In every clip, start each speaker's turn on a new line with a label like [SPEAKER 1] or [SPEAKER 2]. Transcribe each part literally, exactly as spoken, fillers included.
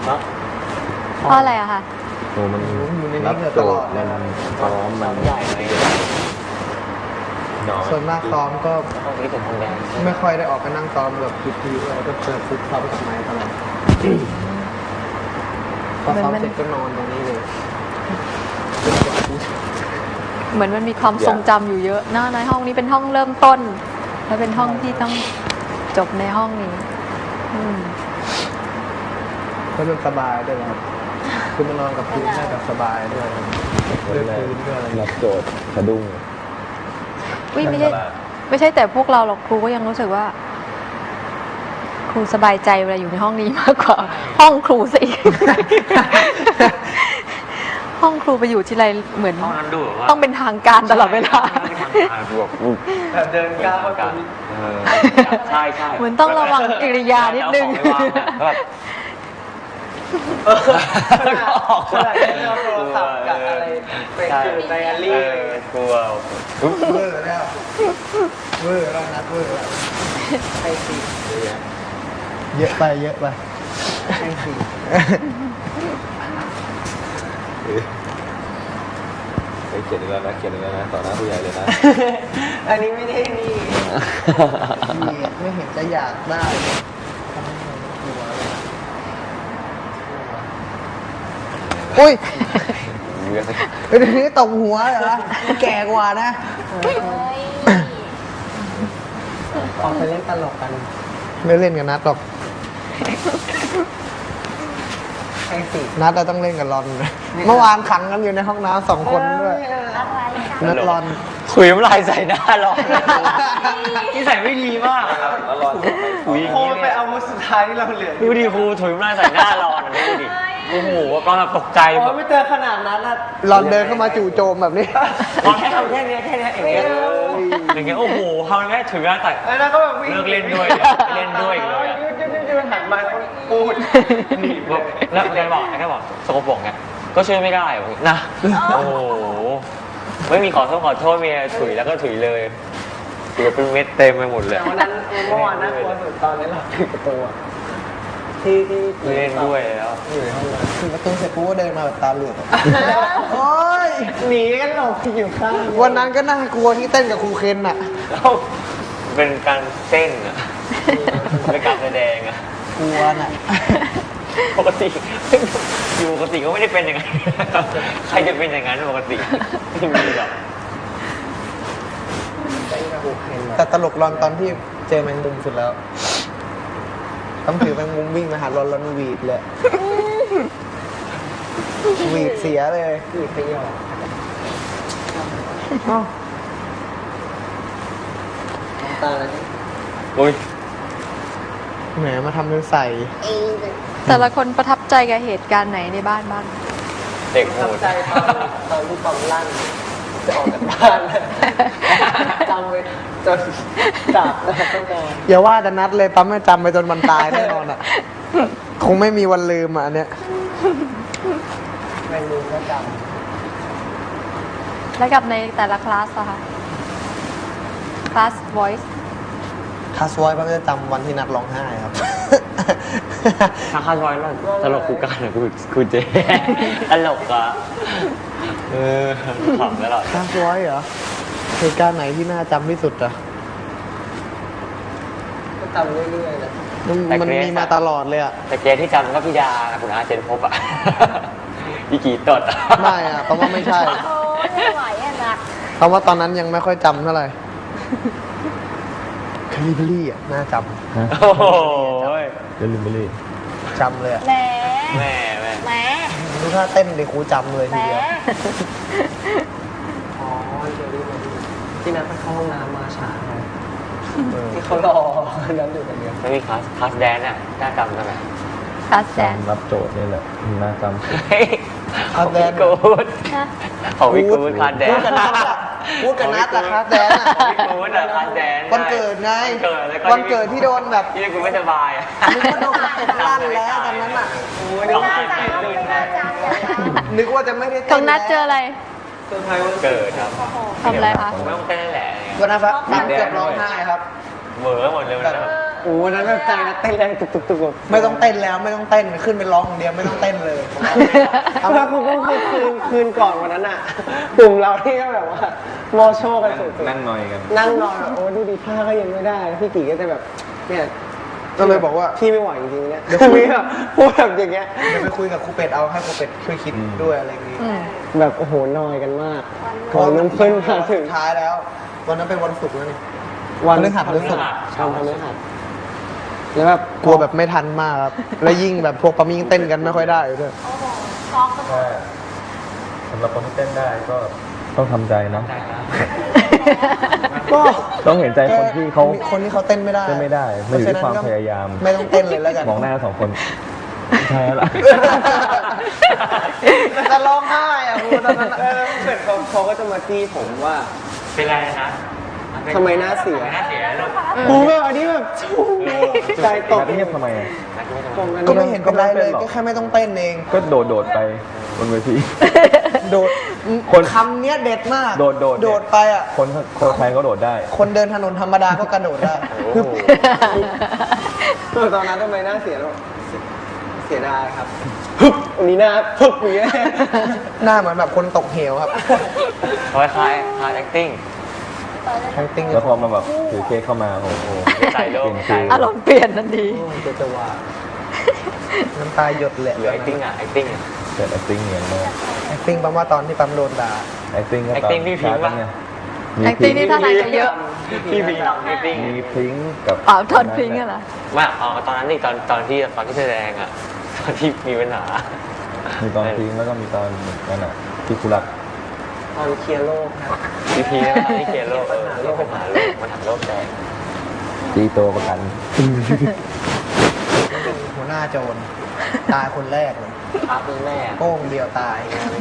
[SPEAKER 1] เพราะอะไรอะคะ
[SPEAKER 2] โอ้มันรับโจทย์มันพร้อมมันใหญ่เลย
[SPEAKER 3] ส่วนมากซ้อมก็
[SPEAKER 2] ห้องนี้เป็นห้องแดง
[SPEAKER 3] ไม่ค่อยได้ออกไปนั่งซ้อมแบบทีๆอะไรก็เจอฟุกเขาไปกับไม้ตลอดพอซ้อมเสร็จก็นอนตรงนี้เลย
[SPEAKER 1] เหมือนมันมีความทรงจำอยู่เยอะนะในห้องนี้เป็นห้องเริ่มต้นและเป็นห้องที่ต้องจบในห้องนี้
[SPEAKER 3] ก็มันสบายด้วยครับคือมันนอนกับพื้นได้แบบสบายด้วยด้วยพื้นด้วยอะไร
[SPEAKER 2] รับโจทย์สะดุ้ง
[SPEAKER 1] ไม่ใช่ไม่ใช่แต่พวกเราหรอกครูก็ยังรู้สึกว่าครูสบายใจเวลาอยู่ในห้องนี้มากกว่าห้องครูสิห้องครูไปอยู่ที่ไรเหมือนต้องเป็นทางการตลอดเวลา
[SPEAKER 3] แบบเดินก้าวกัน
[SPEAKER 2] ใช่ใช่
[SPEAKER 1] เหมือนต้องระวังกิริยานิดนึง
[SPEAKER 3] แล้วก็ออกอะไรเอาโทรศัพท์กับอะไรไปคือไดอารี่
[SPEAKER 2] กลัว
[SPEAKER 3] เวอร์แล้วเวอร์แล้วนัดเวอร์แล้วไอ้สิเยอะไปเยอะไปไอ้สิ
[SPEAKER 2] ไปเขียนแล้วนะเขียนแล้วนะต่อหน้าผู้ใหญ่เลยนะ
[SPEAKER 3] อันนี้ไม่ได้นี่ไม่เห็นจะอยากได้อุ้ยเดี๋ยวนี้ตบหัวเหรอแก่กว่านะออกไปเล่นตลกกันไม่เล่นกับนัดหรอกนัดเราต้องเล่นกับรอนเมื่อวานขังกันอยู่ในห้องน้ำสองคนด้วยนัดรอน
[SPEAKER 2] ขุยน้ำลายใส่หน้ารอนนี่ใส่ไม่ดีมากรอน
[SPEAKER 3] ขุยโค้ไปเอามุดสุดท้ายที่เราเหลือ
[SPEAKER 2] ดูดิครูถุยน้ำลายใส่หน้ารอนดูดิโอ้โหก็ตกใจ
[SPEAKER 3] แบบไม่เจอขนาดนั้นนะรอนเดินเข้ามาจู่โจมแบบนี้
[SPEAKER 2] รอนแค่ทำแค่นี้แค่นี้อย่างเงี้ยอย่างเงี้ยโอ้โหทำแค่ถือหน้าใส่
[SPEAKER 3] แล้วก็แบบ
[SPEAKER 2] เลิกเล่นด้วยเล่นด้วยเลย
[SPEAKER 3] ยืนหันมาพูด
[SPEAKER 2] แล้วแกบอกแกบอกสกปรกไงก็ช่วยไม่ได้นะโอ้โหไม่มีขอโทษขอโทษมีถุยแล้วก็ถุยเลยถุยเป็นเม็ดเต็มไปหมดเลย
[SPEAKER 3] วันนั้นเมื่อวานน่ากลัวสุดตอนนี้เราถึงประตูที่ที่
[SPEAKER 2] เล่นด้วยแล้ว
[SPEAKER 3] อยู่ในห้องน้ำถึงประตูเสร็จปุ๊บเดินมาแบบตาเหลือกโอ้ยหนีกันหลบอยู่ข้างวันนั้นก็น่ากลัวที่เต้นกับครูเคนอ่ะ
[SPEAKER 2] เป็นการเต้นอ่ะเป็นการแสดงอ่ะ
[SPEAKER 3] กลัวน่ะ
[SPEAKER 2] ปกติอยู่ปกติก็ไม่ได้เป็นอย่างนั้นใครจะเป็นอย่างนั้นปกติไม่มีหรอก
[SPEAKER 3] แต่ตลกรอนตอนที่เจอแมงมุมสุดแล้วต้องถือแมงมุมวิ่งมาหารอนรอนวีดเลยวีดเสียเลยวีดไปหยอกตาอะไรนี่
[SPEAKER 2] โอ้ย
[SPEAKER 3] แหมมาทำเป็นใส่
[SPEAKER 1] แต่ละคนประทับใจกับเหตุการณ์ไหนในบ้านบ้าง
[SPEAKER 2] เด็กโหด
[SPEAKER 3] ใจตอนตอนที่ปั๊มลั่นจะออกจากบ้านจำไว้จนจับแล้วต้องนอนอย่าว่าแต่นัดเลยปั๊มไม่จำไปจนมันตายแน่นอนอ่ะคงไม่มีวันลืมอ่ะอันเนี้ยไม่ลืมก็จ
[SPEAKER 1] ำแล้วกับในแต่ละคลาสอะคะคลาส voice
[SPEAKER 3] คลาส voice ปั๊มจะจำวันที่นัดร้องไห้ครับ
[SPEAKER 2] ถ้าคลาส voice ตลกคู่กันนะคุณคุณเจตลกอ่ะเออขำตลอด
[SPEAKER 3] คลาส voice เหรอเหตุการณ์ไหนที่น่าจำที่สุดอ่ะก็จำเรื่อยๆนะมันมีมาตลอดเลยอ่ะ
[SPEAKER 2] แต่เกที่จำก็พี่ดาคุณอาเจนพบอ่ะพี่กีตด
[SPEAKER 3] ไม่อ่ะเพราะว่าไม่ใช่
[SPEAKER 1] โอ้ไม่ไหวอ่ะนะ
[SPEAKER 3] เพราะว่าตอนนั้นยังไม่ค่อยจำเท่าไหร่คาลิเบอรี่อ่ะน่าจำ
[SPEAKER 2] โอ้โห
[SPEAKER 3] คาลิเบอรี่จำเลยอ่ะ
[SPEAKER 1] แหม
[SPEAKER 2] แม่แม่
[SPEAKER 1] แหม
[SPEAKER 3] ดูท่าเต้นเลยครูจำเลยทีเดียวอ๋อที่นัดไปเข้าห้องน้ำมาช้าที่เขารอน้ำอยู่กันเยอะ
[SPEAKER 2] ไม่มีคลาสคลาสแดนอ่ะน่าจำได้ไหม
[SPEAKER 1] คลาสแดน
[SPEAKER 2] รับโจทย์นี่แหละน่าจำ
[SPEAKER 3] คลาสแดน
[SPEAKER 2] กูดของพี่กูดคลาสแดน
[SPEAKER 3] พูดกันนัดละคลาสแดนอ่ะ
[SPEAKER 2] พี่กูดอะคลาสแดน
[SPEAKER 3] วันเกิดไงวันเกิดที่โดนแบบ
[SPEAKER 2] ที่กูไม่สบายอ่ะ
[SPEAKER 3] นึกว่าโดนลั่นแล้วตอนนั้นอ่ะนึกว่าจะไม่ได้
[SPEAKER 1] ตรงนัดเจออะไร
[SPEAKER 2] เซอร์ไพรส์วันเกิดครับ
[SPEAKER 1] ทำอะไรคะ
[SPEAKER 2] ผมไม่ต้องเต้นแหละ
[SPEAKER 3] วันนั้นครับเกือบร้องไห้ครับ
[SPEAKER 2] เหม่อหมดเลยวันนั้น
[SPEAKER 3] อ้วันนั้นแบบใจนะเต้นแรงตุกตุกตุกไม่ต้องเต้นแล้วไม่ต้องเต้นขึ้นไปร้องอย่างเดียวไม่ต้องเต้นเลยเอาว่าคุณก็คืนคืนก่อนวันนั้นอ่ะกลุ่มเราที่ก็แบบว่าโมโชกันสุด
[SPEAKER 4] นั่งนอยกัน
[SPEAKER 3] นั่งนอนแบบโอ้ดูดิผ้าก็ยังไม่ได้พี่กี่ก็จะแบบเนี่ยก็เลยบอกว่าพี่ไม่ไหวจริงๆเนี่ยเดี๋ยวคุยแบบพูดแบบอย่างเงี้ยเดี๋ยวไปคุยกับครูเป็ดเอาให้ครูเป็ดช่วยคิดด้วยอะไรอย่างงี้แบบโอ้โหนอยกันมากพอมันเพิ่งมาถึงท้ายแล้ววันนั้นเป็นวันศุกร์แล้วนี่วันพฤหัสพฤหัสชาวพฤหัสแล้วแบบกลัวแบบไม่ทันมากครับแล้วยิ่งแบบพวกปามิ่งเต้นกันไม่ค่อยได้ด้วย
[SPEAKER 4] ใช่สำหรับคนที่เต้นได้ก็ต้องทำใจนะ
[SPEAKER 3] ก็
[SPEAKER 4] ต้องเห็นใจคนที่เขา
[SPEAKER 3] คนที่เขาเต้นไม่ได้
[SPEAKER 4] เต้นไม่ได้มันอยู่ที่ความพยายาม
[SPEAKER 3] ไม่ต้องเต้นเลยแล้วกัน
[SPEAKER 4] มองหน้าสองคนใช่แล้วล่ะ
[SPEAKER 3] จะร้องไห้อ่ะพูดตอนนั้นเออเกิดเขาเขาก็จะมาจี้ผมว่า
[SPEAKER 2] เป็นไรนะ
[SPEAKER 3] ทำไมหน้าเสีย
[SPEAKER 2] หน้าเสียลูก
[SPEAKER 3] กูแบบอันนี้แบบชูใจตก
[SPEAKER 4] นัดเงียบทำไมอะ
[SPEAKER 3] ก็ไม่เห็นเป็นไรเลยก็แค่ไม่ต้องเต้นเอง
[SPEAKER 4] ก็โดดโดดไปบนเวที
[SPEAKER 3] โดด
[SPEAKER 4] คน
[SPEAKER 3] คำเนี้ยเด็ดมาก
[SPEAKER 4] โดดโดด
[SPEAKER 3] โดดไปอ่ะ
[SPEAKER 4] คนคนไทยก็โดดได้
[SPEAKER 3] คนเดินถนนธรรมดาก็กระโดดได้
[SPEAKER 4] โอ้โห
[SPEAKER 3] ตอนนั้นทำไมหน้าเสียแล้วเสียดายครับฮึบวันนี้หน้าฮึบอย่างเงี้ยหน้าเหมือนแบบคนตกเหวครับ
[SPEAKER 2] คล้ายคล้ายคล้าย acting
[SPEAKER 3] ทั้งติ้ง
[SPEAKER 4] แล้วพอมาแบบถือเค้กเข้ามาโอ้โห
[SPEAKER 2] ใส่โลก
[SPEAKER 4] เปลี่ยนฟิล
[SPEAKER 1] อารมณ์เปลี่ยนทันที
[SPEAKER 3] จะจะว่าน้ำตาหยดเลย
[SPEAKER 2] เหลือ acting อ่ะ acting อ่ะ
[SPEAKER 4] เกิด acting เหมือนมาก
[SPEAKER 3] acting ปั๊มว่าตอนที่ปั๊มโดนด่า
[SPEAKER 4] acting ก็ตอน
[SPEAKER 2] acting พี่พิงค์ปะ
[SPEAKER 4] ไง
[SPEAKER 1] แอคติ้งนี่ท่าทางจะเยอะ
[SPEAKER 2] พี่พิงค์ acting
[SPEAKER 4] มีพริ้งกับ
[SPEAKER 1] อ๋อทอนพิงค์อะเหรอ
[SPEAKER 2] ว่าเอาตอนนั้นนี่ตอนตอนที่ตอนที่แสดงอ่ะตอนที่มีปัญหา
[SPEAKER 4] มีตอนพริ้งแล้วก็มีตอนนั่นน่ะที่คุรัก
[SPEAKER 3] ตอนเคลียร์โลกครับ
[SPEAKER 2] พีพีนะที่เขียนโลกเออโลกปัญหาโลกมันถังโลกแดง
[SPEAKER 4] ตีโตประกัน
[SPEAKER 3] หัวหน้าโจรตายคนแรกเลย
[SPEAKER 2] พาร์ทแม่
[SPEAKER 3] โป้งเดียวตาย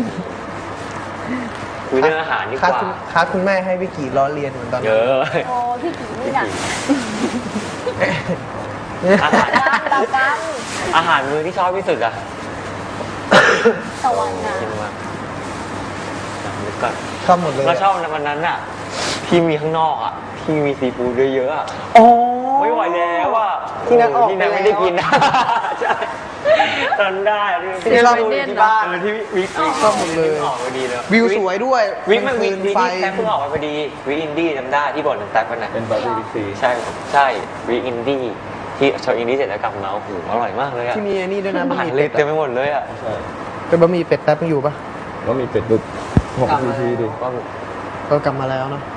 [SPEAKER 2] คุยเรื่องอาหารดีก
[SPEAKER 3] คัด
[SPEAKER 2] ว่า
[SPEAKER 3] คุณคัดคุณแม่ให้พี่กี่ล้อเลียนเหมือนตอน
[SPEAKER 2] เย
[SPEAKER 3] นั้น
[SPEAKER 2] อะ
[SPEAKER 5] โอ้พี่กี่นี่หนัก
[SPEAKER 2] อาหาร
[SPEAKER 5] ตากัง
[SPEAKER 2] อาหารมื้อที่ชอบที่สุดอะ
[SPEAKER 5] ตะวันนะ
[SPEAKER 2] กินมานึกก่อน
[SPEAKER 3] ชอบหมดเลย
[SPEAKER 2] เราชอบในวันนั้นอะที่มีข้างนอกอะที่มีซีฟู้ดเยอะๆอะ
[SPEAKER 3] โอ้
[SPEAKER 2] ไม่ไหวแล้วอะ
[SPEAKER 3] ที่นั้นออก
[SPEAKER 2] ที่นั้น
[SPEAKER 3] ไปแล้ว
[SPEAKER 2] ไม่ได้กินนะใช่ตอนได้อะที่
[SPEAKER 3] ที่ชอบดูที่บ้าน
[SPEAKER 2] เออที่วิวิ
[SPEAKER 3] ชอบหมดเลย
[SPEAKER 2] ออกพอดีเลย
[SPEAKER 3] วิวสวยด้วย
[SPEAKER 2] วิมันวิ
[SPEAKER 3] คืน
[SPEAKER 2] วิ
[SPEAKER 3] ไฟ
[SPEAKER 2] ที่แท็กเพิ่งออกมาพอดีวิอินดี้จำได้ที่บอกหนังแท็กมันน่ะ
[SPEAKER 4] เป็นปาร์ตี้บิ๊กซี
[SPEAKER 2] ใช่ใช่วิอินดี้ที่โชว์อินดี้เสร็จแล้วกลับมาโอ้โหอร่อยมากเลยอะ
[SPEAKER 3] ที่มีไอ้นี่ด้วยนะ
[SPEAKER 2] อา
[SPEAKER 3] บะห
[SPEAKER 2] หาร
[SPEAKER 3] มี่
[SPEAKER 2] เล็
[SPEAKER 3] เป็
[SPEAKER 2] ก
[SPEAKER 3] ด
[SPEAKER 2] เต็มไปหมดเลยอะ
[SPEAKER 4] ใช่
[SPEAKER 3] เป็นบะหมี่เป็ดแป๊บยังอยู่ปะ
[SPEAKER 4] แล้วมีเป็ดดุกหกซีทีดิ
[SPEAKER 2] ก็
[SPEAKER 3] ก็กลับมาแล้วเนาะ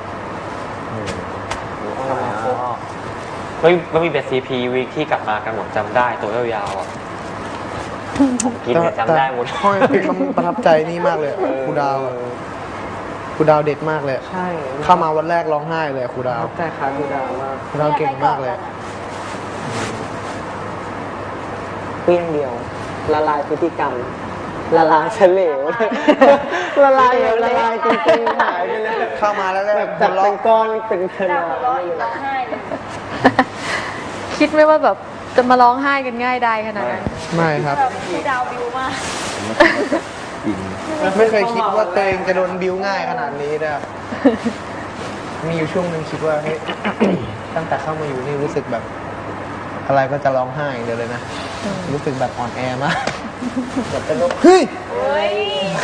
[SPEAKER 2] เฮ้ยมันมีเบสซีพีวีคที่กลับมากันหมดจำได้ตัวยาวๆอ่ะผมกินเนี่ยจำได้หมด
[SPEAKER 3] ห้อยเป็นคำประทับใจนี่มากเลยครูดาวอะครูดาวเด็ดมากเลย
[SPEAKER 6] ใช่
[SPEAKER 3] เข้ามาวันแรกร้องไห้เลยครูดาว
[SPEAKER 6] แต่ขาดูดาวมาก
[SPEAKER 3] ครูดาวเก่งมากเลย
[SPEAKER 6] เปี้ยงเดียว ละลายพฤติกรรม ละลายเฉลว ละลายแบบละลายจริงๆหายไปเลย
[SPEAKER 3] เข้ามาแล้วก็
[SPEAKER 6] แบบ
[SPEAKER 3] หั
[SPEAKER 6] จาว ก
[SPEAKER 3] เราะ
[SPEAKER 6] เป็นก้อนเป็นข
[SPEAKER 5] เรา
[SPEAKER 6] นาด
[SPEAKER 5] หัวเราะอยู่ร้องไห้เลย
[SPEAKER 1] คิดไหมว่าแบบจะมาร้องไห้กันง่ายได้ขนาดนั้น
[SPEAKER 3] ไม่ครับ
[SPEAKER 5] แบบครูดาวบิวมาก
[SPEAKER 4] จริง
[SPEAKER 3] ไม่เคยคิดว่าตัวเองจะโดนบิ้วง่ายขนาดนี้นะครับ มีอยู่ช่วงหนึ่งคิดว่าเฮ้ย ตั้งแต่เข้ามาอยู่นี่รู้สึกแบบ อะไรก็จะร้องไห้อย่างเดียวเลยนะ รู้สึกแบบอ่อนแอมากแบบเป็นโรคเฮ้ย
[SPEAKER 5] เฮ้ย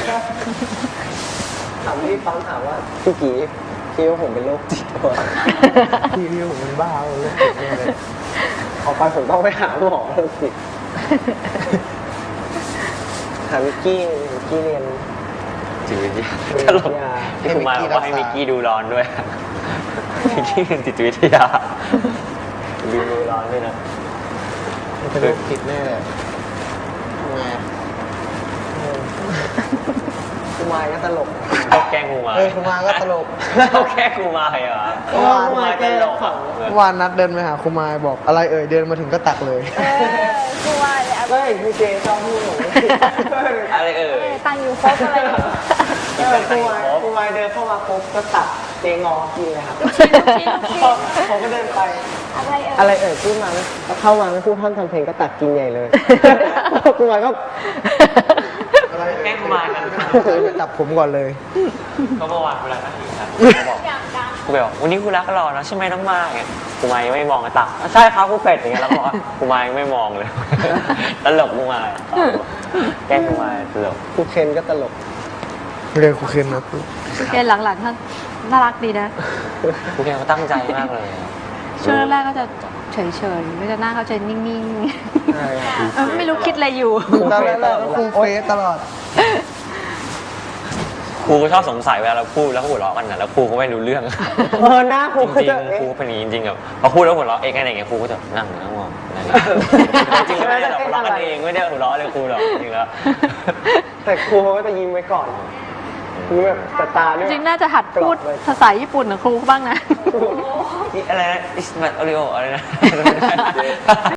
[SPEAKER 6] ถามพี่ฟังถามว่าพี่กี่คิดว่าผมเป็นโรคจิตวะ
[SPEAKER 3] พี่พี่ผมเป็นบ้าเลยโรคจิตแน่เลย
[SPEAKER 6] ออกไปผมต้องไปหาหมอโรคจิตถามวิกกี้วิกกี้เรียน
[SPEAKER 2] จิตวิทยาตลกที่คุณมาบอกว่าให้มิกกี้ดูร้อนด้วยมิกกี้เรียนจิตวิทยาดูดูร้อนด้วยนะ
[SPEAKER 3] เป็นโรคจิตแน่เลยทำไงอะ
[SPEAKER 6] คุมายก็ตลก
[SPEAKER 2] เขาแกล้งกูมา
[SPEAKER 3] เออคุณมาก็ตลก
[SPEAKER 2] เขาแกล้งกูมาเหรอ
[SPEAKER 6] เพราะว่าคุมายแกตลก
[SPEAKER 3] เมื่อวานนัดเดินไปหาครูมายบอกอะไรเอ่ยเดินมาถึงก็ตักเลย
[SPEAKER 5] เออครูว่าเลย
[SPEAKER 6] ก็เห็นพี่เจชอบพูดผม
[SPEAKER 2] อะไรเอ่ย
[SPEAKER 5] ตังอยู่ครบอะไรอย่างเงี้ย
[SPEAKER 6] เออคุมายคุมายเดินเข้ามาปุ๊บก็ตัดเจงอกินเลยครับ
[SPEAKER 5] ชิ้นชิ้นชิ้น
[SPEAKER 6] ผมก็เดินไป
[SPEAKER 5] อะไรเอ่ย
[SPEAKER 6] อะไรเอ่ยพูดมาไม่เข้ามาไม่พูดท่านทำเพลงก็ตัดกินใหญ่เลย คุมายก็
[SPEAKER 3] อะไร
[SPEAKER 2] แกล้งกูมากัน
[SPEAKER 3] จับผมก่อนเลย
[SPEAKER 2] ก็เมื่อวานเวลานั่งอยู่นะเขาบอก
[SPEAKER 5] อย่างดัง
[SPEAKER 2] ครูไปบอกวันนี้ครูรักหล่อนะใช่ไหมน้องมากเนี่ยครูมายังไม่มองกระตักใช่ครับครูเป็ดอย่างเงี้ยแล้วบอกว่าครูมายังไม่มองเลย ตลกครูมาแกล้งครูมาตลก
[SPEAKER 3] ครูเคนก็ตลกเรียนครูเคนนะครู
[SPEAKER 1] เกณฑ์หลังๆท่านน่ารักดีนะ
[SPEAKER 2] ครูแกเขาตั้งใจมากเลย
[SPEAKER 1] ช่วงแรกๆก็จะเฉยๆก็จะหน้าเขาจะนิ่ง
[SPEAKER 3] ใช่ครับ
[SPEAKER 1] ๆเออไม่รู้คิดอะไรอยู่
[SPEAKER 3] ตอนแรกๆก็ครูเฟสตลอด
[SPEAKER 2] ครูก็ชอบสงสัยเวลาเราพูดแล้วก็หัวเราะกันนะแล้วครูก็ไม่รู้เรื่อง
[SPEAKER 6] เออหน้าครู
[SPEAKER 2] จริง
[SPEAKER 6] จะ
[SPEAKER 2] ๆครูเป็นอย่างนี้จริงๆแบบพอพูดแล้วหัวเราะเองอะไรอย่างเงี้ยครูก็จะนั่งนั่งมองอะไรอย่างเงี้ยจริงๆไม่ได้หรอกหัวเราะกันเองไม่ได้หัวเราะเลยครูหรอกจริงๆแล้ว
[SPEAKER 6] แต่ครูเขาก็จะยิ้มไว้ก่อนยิ้มแบบแต่ตาด้วย
[SPEAKER 1] จริงๆน่าจะหัดพูดภาษาญี่ปุ่นกับครูบ้างนะ
[SPEAKER 2] อะไรนะอิสมัตโอริโออะไรนะ